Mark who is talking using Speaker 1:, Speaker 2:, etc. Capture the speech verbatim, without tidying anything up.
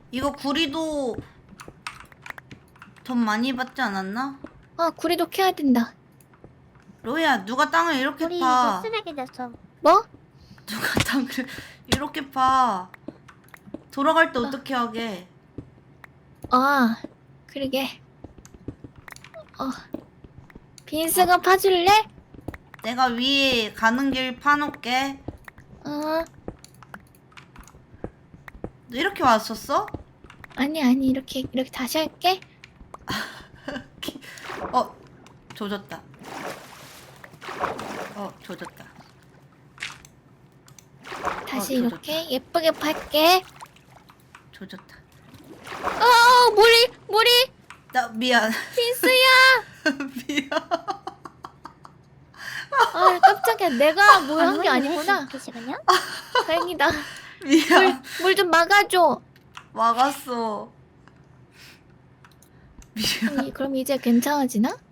Speaker 1: 이거 구리도 돈 많이 받지 않았나?
Speaker 2: 아, 구리도 캐야 된다.
Speaker 1: 로이야, 누가 땅을 이렇게
Speaker 3: 우리
Speaker 1: 파?
Speaker 3: 이제 쓰레기 됐어.
Speaker 2: 뭐?
Speaker 1: 누가 땅을 이렇게 파? 돌아갈 때 어떻게 하게?
Speaker 2: 아, 그러게. 어, 빈스가 파줄래?
Speaker 1: 내가 위에 가는 길 파놓게.
Speaker 2: 어,
Speaker 1: 너 이렇게 왔었어?
Speaker 2: 아니 아니 이렇게 이렇게 다시 할게.
Speaker 1: 어, 조졌다. 어, 조졌다.
Speaker 2: 다시
Speaker 1: 어,
Speaker 2: 이렇게 예쁘게 팔게.
Speaker 1: 조졌다.
Speaker 2: 어, 머리 머리
Speaker 1: 나 미안.
Speaker 2: 빈스야.
Speaker 1: 미안.
Speaker 2: 아, 깜짝이야. 내가 뭘 한 게 아니구나.
Speaker 3: 이렇게 시간이야?
Speaker 2: 다행이다.
Speaker 1: 미안.
Speaker 2: 물 좀 막아줘.
Speaker 1: 막았어. 미안.
Speaker 2: 그럼, 이- 그럼 이제 괜찮아지나?